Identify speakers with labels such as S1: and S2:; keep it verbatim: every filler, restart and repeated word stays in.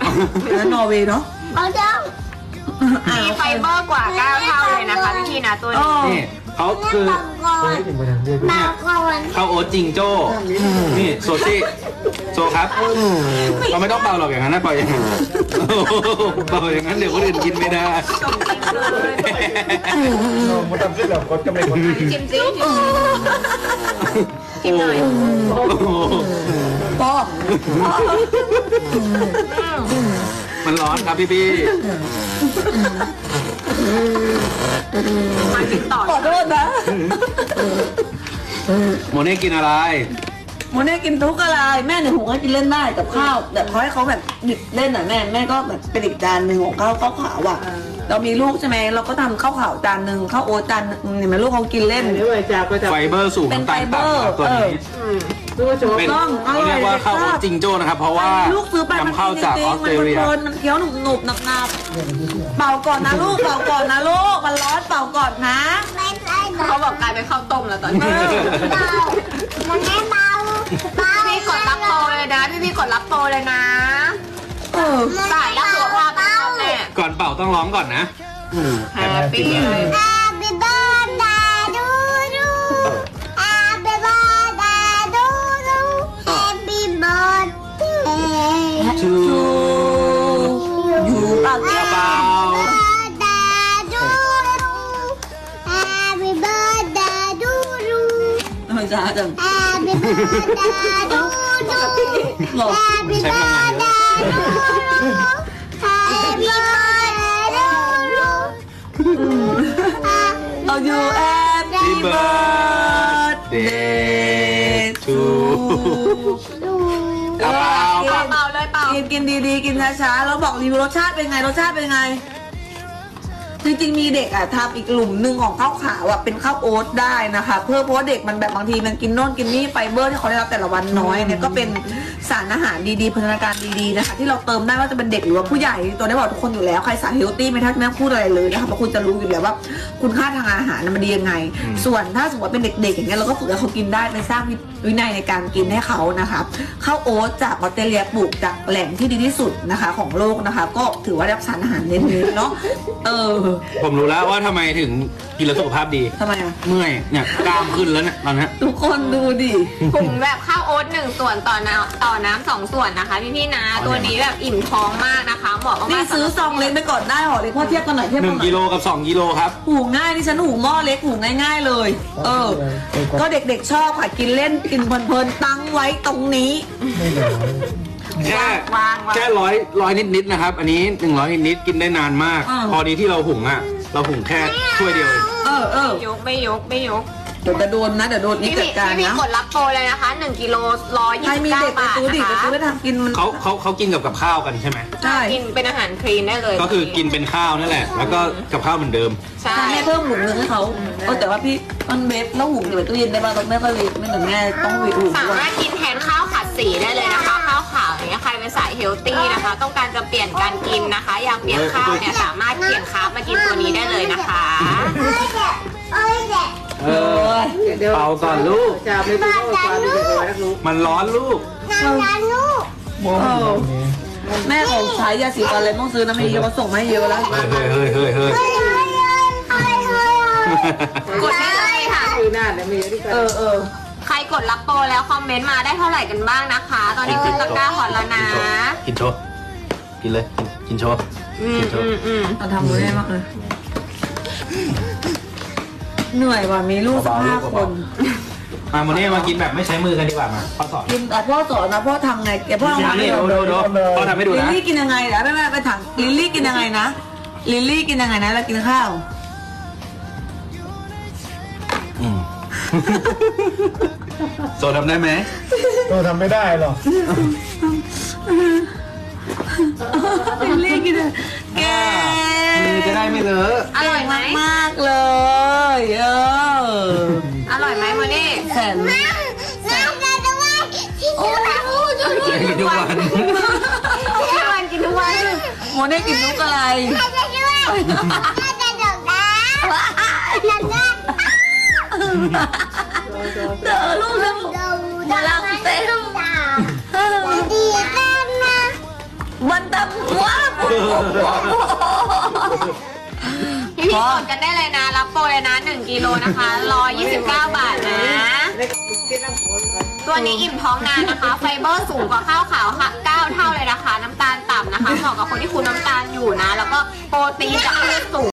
S1: แล้วนอร์เวย์เนาะ
S2: เอาเจ้า
S3: มีไฟเบอร์กว่าเก้าเท่าเลยนะคะพี่ๆนะตัวนี้
S4: นี่เขาคือ
S2: มาก่อน
S4: ข้าวโอ๊ตจิงโจ้นี่โซซี่โซครับเราไม่ต้องเป่าหรอกอย่างนั้นนะเป่าอย่างนั้นเป่าอย่างนั้นเดี๋ยวคนอื่นกินไม่ได้
S5: มันทำขึ้นแบบกดก็ไม่กด
S3: จิ้มจิ้มจิ้มหน่อย
S1: ปอ
S4: มันร้อนครับพี่พี่
S3: มากินต่อ
S1: ขอโทษนะ
S4: โมเน่กินอะไร
S1: โมเน่กินทุกอะไรแม่เนี่ยหุงให้กินเล่นได้กับข้าวแต่เขาให้เขาแบบหยิบเล่นอ่ะแม่แม่ก็แบบเป็นอีกจานหนึ่งของข้าวข้าวขาวอ่ะเรามีลูกใช่ไหมเราก็ทำข้าวขาวจานหนึ่งข้าวโอ๊ตจานหนึ่งเห็นไหมลูกเขากินเล่น
S4: ไฟเบอร์สูงน้ำตาลต่ำครับตัวนี้เป็นเขาเรียกว่าข้าวโอ๊ตจิงโจ้นะครับเพราะว่า
S1: ลูกซื้อไปมัน
S4: นำเข้าจากออสเตรเลีย
S1: มันมันเคี้ยวหนุบหนุบหนับหนับเป่าก่อนนะลูกเป่าก่อนนะลูกมันร้อนเป่าก่อนนะ
S2: ไม่ใช่เบา
S3: เขาบอกกลายเป็นข้าวต้มแล้วตอนนี้
S2: มันไม่เบาเบา
S3: พี่กดรับโปรเลยนะพี่พี่กดรับโปรเลยนะ
S1: เออ
S3: สายรักสุขภาพนะแม่
S4: ก่อนเป่าต้องร้องก่อนนะ
S3: แฮปปี้เลย
S2: Happy birthday to you Happy birthday to you Happy birthday
S4: ชู
S1: อยู่ปาก
S4: กระเป๋า
S2: birthday to you Happy birthday to you
S1: เฮ้ยจ้าจัง
S2: Happy birthday to you
S1: หรอ
S2: Happy birthday to you Happy birthday to you
S1: เอาอยู่แอป
S4: Happy birthday to กระเป๋า
S3: เปล่าเลยเปล่า
S1: กินกินดีๆกินช้าๆแล้วบอกรีวิวรสชาติเป็นไงรสชาติเป็นไง จริงๆมีเด็กอ่ะทำอีกหลุมหนึ่งของข้าวขาวอ่ะเป็นข้าวโอ๊ตได้นะคะ เพื่อเพราะว่าเด็กมันแบบบางทีมันกินโน่นกินนี่ไฟเบอร์ที่เขาได้รับแต่ละวันน้อยเนี่ยก็เป็นสารอาหารดีๆพัฒนาการดีๆนะคะที่เราเติมได้ว่าจะเป็นเด็กหรือว่าผู้ใหญ่ตัวได้บอกทุกคนอยู่แล้วใครสายเฮลตี้ไม่ทักแม่พูดอะไรเลยนะคะเพราะคุณจะรู้อยู่แล้วว่าคุณค่าทางอาหารมันดียังไง ส่วนถ้าสมมติว่าเป็นเด็กๆอย่างเงี้ยเราก็ฝึกให้เขากินได้ไปสร้างวินัยในการกินให้เขานะคะข้าวโอ๊ตจากออสเตรเลียปลูกจากแหล่งที่ดีที่สุดนะคะของโลกนะคะ ก็ถือว่าได้รับสารอาหารเน้นๆเนาะเออ
S4: ผมรู้แล้วว่าทำไมถึงกินแล้วสุขภาพดี
S1: ทำไมอ่ะ
S4: เมื่อยเนี่ยกล้ามขึ้นแล้วเนี่ยตอนนี้
S1: ทุกคนดูดิ
S3: ถุงแบบข้าวโอ๊ตหนึ่งส่วนต่อน้ำต่อน้ำสองส่วนนะคะพี่พี่ๆนะตัวนี้แบบอิ่มท้องมากนะคะเหมาะมากๆ
S1: นี่ซื้อซองเล็กไปก่อนได้หรอเล็กพ่อเทียบกันหน่อยเทียบ
S4: ห
S1: กั
S4: นึ่
S1: น
S4: ง
S1: หน่อย
S4: กิโลกับสองกิโลครับ
S1: หูง่ายนี่ฉันหูหม้อเล็กหูง่าย ๆเลย เออ ก็เด็กๆชอบค่ะกินเล่นกินเพลินๆตั้งไว้ตรงนี้
S4: แค่
S3: วางวาง
S4: แค่ร้อยร้อยนิดๆนะครับ อันนี้หนึ่งร้อยนิดๆกินได้นานมาก
S1: อ่า
S4: พอดีที่เราหุงอ่ะ เราหุงแค่ถ้วยเดียวเอง
S1: เออเออย
S3: กไม่ยกไม่ยก
S1: เดี๋ยวจะโดนนะเดี๋ยวโดนนี่
S3: พี่
S1: จั
S3: พี่
S1: ดการ
S3: พี่
S1: นะ
S3: กดรับโปรเลยนะคะหนึ่งกิโลร้อย
S1: ใคร
S3: ยี่สิบ
S1: มี
S3: เก้า
S1: เด็กไป
S3: บาท
S1: ซื้อดิ
S3: นะ
S1: ไป
S3: คะ
S1: ซื้อไปทำกินมัน
S4: เขาเขาเขากินกับกับข้าวกันใช่ไหม
S1: ใช่
S3: กินเป็นอาหารคลีนได้เลย
S4: ก็คือกินเป็นข้าวนั่นแหละ แล้วก็กับข้าวเหมือนเดิม
S3: ใช่
S1: ถ้าแม่เพิ่มหลุมนึงให้เขาเออแต่ว่าพี่มันเวฟแล้วหุงเดี๋ยวตู้เย็นได้ป่ะต้องแม่ก็เวฟไม่เหมือนแม่ต้องเวฟหุง
S3: สา
S1: ด้วย
S3: มารถกินแทนข้าวผัดสีได้เลยนะคะ ข้าวขาวอย่างเงี้ยใครเป็นสายเฮลตี้นะคะ ต้องการจะเปลี่ยนการกินนะคะ อยากเปลี่ยนข้าวเนี่ยสามารถเปลี่ยนคาร์บมากินตัวนี้ได้เลยนะคะ
S2: เอ้ยเด็ก
S4: เออเป่าก่อนลูก มันร้อนลูก
S2: นานานลูก
S1: เออแม่ของใช้ยาสีฟันอะไรต้องซื้อนะไม่เยอะก็ส่งมาให้เยอะแล้ว
S4: เฮ้ยเฮ้ยเฮ้ยเฮ้ยเฮ้ย
S2: เฮ้ยเฮ้ยเฮ้ยเฮ้ยเฮ้ย
S3: กดได้เลยค่ะ
S1: เออเออ
S3: ใครกดรับโปรแล้วคอมเมนต์มาได้เท่าไหร่กันบ้างนะคะ ตอนนี้ขึ้นตะกร้าฮอตแล้วนะ
S4: กินโชว์กินเลย กินโชว์
S3: อืมอืมอืม
S1: เอาทำมือได้มากเลยเหนื่อยว่ะมีลูกสักห้าคน
S4: มาโมเน่มากินแบบไม่ใช้มือกันดีกว่ามาพ่อสอน
S1: กินแต่พ่อสอนนะพ่อทำไงแกพ่อทำไง
S4: นี่ดูดูดูพ่อทำให้ดู
S1: ลิล
S4: นะ
S1: ลี่กินยังไงเดี๋ยวแม่แม่ไปถามลิลลี่กินยังไงนะลิลลี่กินยังไงนะแล้วกินข้าว
S4: อืมโซทำได้ไหม
S5: ตัวทำไม่ได้หรอก
S1: ลิลลี่กินยังแก
S4: มือจะได้ไม่เลอะ
S3: อร่อยไหม
S1: มากเลยเออ
S3: อร่อยไหมโมเน่
S1: แขน
S2: น้ำน้ำจะด้วยที่ชูน้ำมูจู
S4: กินทุกวัน
S3: ทุกวันกินทุกวัน
S1: โมเน่กินนุกอะไร
S2: จะด้วยจะจะดอกน้ำจะได้
S1: เจอลูกแล้ว
S2: ดูดาวเต้นดีกันนะ
S1: ไม่นตำหัว
S3: พี่พี่กดกันได้เลยนะ รับโปรเลยนะหนึ่งกิโลนะคะหนึ่งร้อยยี่สิบเก้าบาทนะ ตัวนี้อิ่มท้องนานนะคะ ไฟเบอร์สูงกว่าข้าวขาวค่ะเก้าเท่าเลยนะคะ น้ำตาลต่ำนะคะ เหมาะกับคนที่คุมน้ำตาลอยู่นะ แล้วก็โปรตีนจากพืชสูง